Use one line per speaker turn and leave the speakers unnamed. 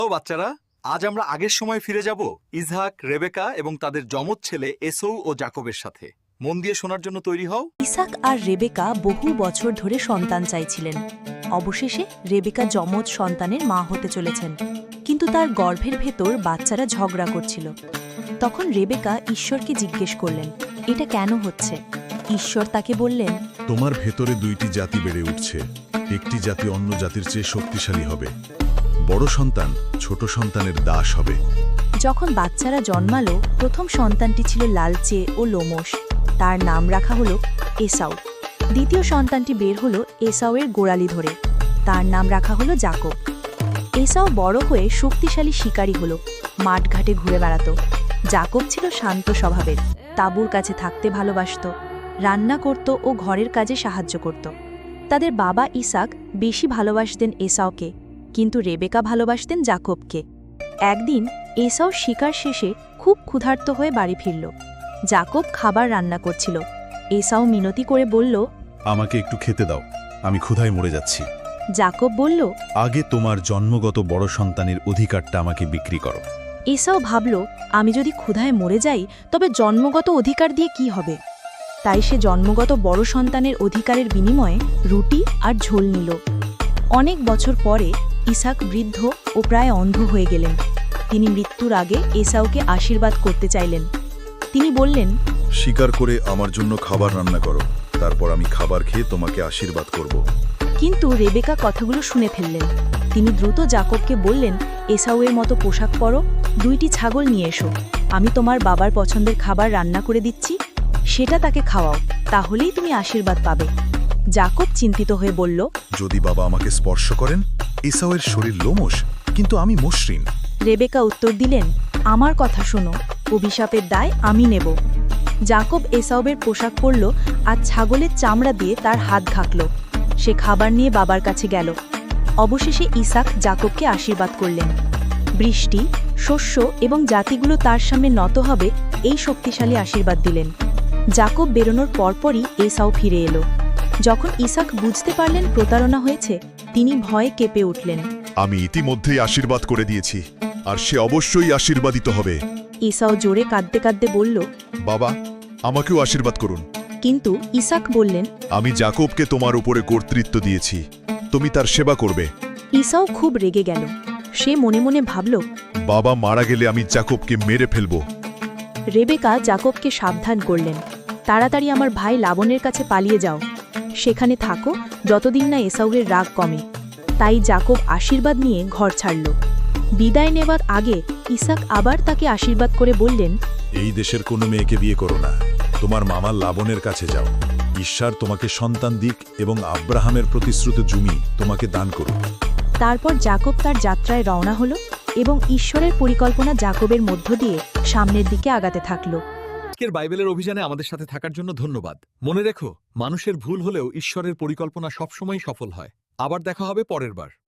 ও বাচ্চারা, আজ আমরা আগের সময় ফিরে যাব ইসহাক, রেবেকা এবং তাদের যমজ ছেলে এসৌ ও জাকবের সাথে। মন দিয়ে শোনার জন্য তৈরি হও।
ইসাক আর রেবেকা বহু বছর ধরে সন্তান চাইছিলেন। অবশেষে রেবেকা যমজ সন্তানের মা হতে চলেছেন, কিন্তু তার গর্ভের ভেতর বাচ্চারা ঝগড়া করছিল। তখন রেবেকা ঈশ্বরকে জিজ্ঞেস করলেন, এটা কেন হচ্ছে? ঈশ্বর তাকে বললেন,
তোমার ভেতরে দুইটি জাতি বেড়ে উঠছে, একটি জাতি অন্য জাতির চেয়ে শক্তিশালী হবে। বড় সন্তান ছোট সন্তানের দাস হবে।
যখন বাচ্চারা জন্মালো, প্রথম সন্তানটি ছিল লালচে ও লোমশ। তার নাম রাখা হলো এসাউ। দ্বিতীয় সন্তানটি বের হলো এসাউয়ের গোড়ালি ধরে। তার নাম রাখা হলো জাকব। এসাউ বড় হয়ে শক্তিশালী শিকারী হলো, মাঠঘাটে ঘুরে বেড়াত। জাকব ছিল শান্ত স্বভাবের, তাঁবুর কাছে থাকতে ভালোবাসত, রান্না করত ও ঘরের কাজে সাহায্য করত। তাদের বাবা ইসাক বেশি ভালোবাসতেন এসাউকে, কিন্তু রেবেকা ভালোবাসতেন জাকবকে। একদিন এসাউ শিকার শেষে খুব ক্ষুধার্ত হয়ে বাড়ি ফিরল। জাকব খাবার রান্না করছিল। এসাউ মিনতি করে বলল,
আমাকে একটু খেতে দাও, আমি ক্ষুধায় মরে যাচ্ছি।
জাকব বলল,
আগে তোমার জন্মগত বড় সন্তানের অধিকারটা আমাকে বিক্রি করো।
এসাউ ভাবল, আমি যদি ক্ষুধায় মরে যাই তবে জন্মগত অধিকার দিয়ে কি হবে? তাই সে জন্মগত বড় সন্তানের অধিকারের বিনিময়ে রুটি আর ঝোল নিল। অনেক বছর পরে ইসাক বৃদ্ধ ও প্রায় অন্ধ হয়ে গেলেন। তিনি মৃত্যুর আগে এসাউকে আশীর্বাদ করতে চাইলেন। তিনি বললেন,
শিকার করে আমার জন্য খাবার রান্না করো, তারপর আমি খাবার খেয়ে তোমাকে আশীর্বাদ করব।
কিন্তু রেবেকা কথাগুলো শুনে ফেললেন। তিনি দ্রুত জাকবকে বললেন, এসাউয়ের মতো পোশাক পরো, দুইটি ছাগল নিয়ে এসো, আমি তোমার বাবার পছন্দের খাবার রান্না করে দিচ্ছি, সেটা তাকে খাওয়াও, তাহলেই তুমি আশীর্বাদ পাবে। জাকব চিন্তিত হয়ে বলল,
যদি বাবা আমাকে স্পর্শ করেন? এসাউয়ের শরীর লোমশ, কিন্তু আমি মসৃণ।
রেবেকা উত্তর দিলেন, আমার কথা শোনো, অভিশাপের দায় আমি নেব। জাকব এসাউবের পোশাক পরল আর ছাগলের চামড়া দিয়ে তার হাত ঘাকল। সে খাবার নিয়ে বাবার কাছে গেল। অবশেষে ইসাক জাকবকে আশীর্বাদ করলেন। বৃষ্টি, শস্য এবং জাতিগুলো তার সামনে নত হবে, এই শক্তিশালী আশীর্বাদ দিলেন। জাকব বেরোনোর পরপরই এসাউ ফিরে এলো। যখন ইসাক বুঝতে পারলেন প্রতারণা হয়েছে, তিনি ভয়ে কেঁপে উঠলেন।
আমি ইতিমধ্যেই আশীর্বাদ করে দিয়েছি, আর সে অবশ্যই আশীর্বাদিত হবে।
এসাউ জোরে কাঁদতে কাঁদতে বলল,
বাবা, আমাকেও আশীর্বাদ করুন।
কিন্তু ইসাক বললেন,
আমি জাকবকে তোমার উপরে কর্তৃত্ব দিয়েছি, তুমি তার সেবা করবে।
ইসাও খুব রেগে গেল। সে মনে মনে ভাবল,
বাবা মারা গেলে আমি জাকবকে মেরে ফেলব।
রেবেকা জাকবকে সাবধান করলেন, তাড়াতাড়ি আমার ভাই লাবনের কাছে পালিয়ে যাও, সেখানে থাকো যতদিন না এসাউয়ের রাগ কমে। তাই জাকব আশীর্বাদ নিয়ে ঘর ছাড়ল। বিদায় নেবার আগে ইসাক আবার তাকে আশীর্বাদ করে বললেন,
এই দেশের কোনো মেয়েকে বিয়ে করো না, তোমার মামা লাবনের কাছে যাও। ঈশ্বর তোমাকে সন্তান দিক এবং আব্রাহামের প্রতিশ্রুত জমি তোমাকে দান করুক।
তারপর জাকব তার যাত্রায় রওনা হল এবং ঈশ্বরের পরিকল্পনা জাকবের মধ্য দিয়ে সামনের দিকে আগাতে থাকল।
আজকের বাইবেলের অভিযানে আমাদের সাথে থাকার জন্য ধন্যবাদ। মনে রেখো, মানুষের ভুল হলেও ঈশ্বরের পরিকল্পনা সবসময় সফল হয়। আবার দেখা হবে পরের বার।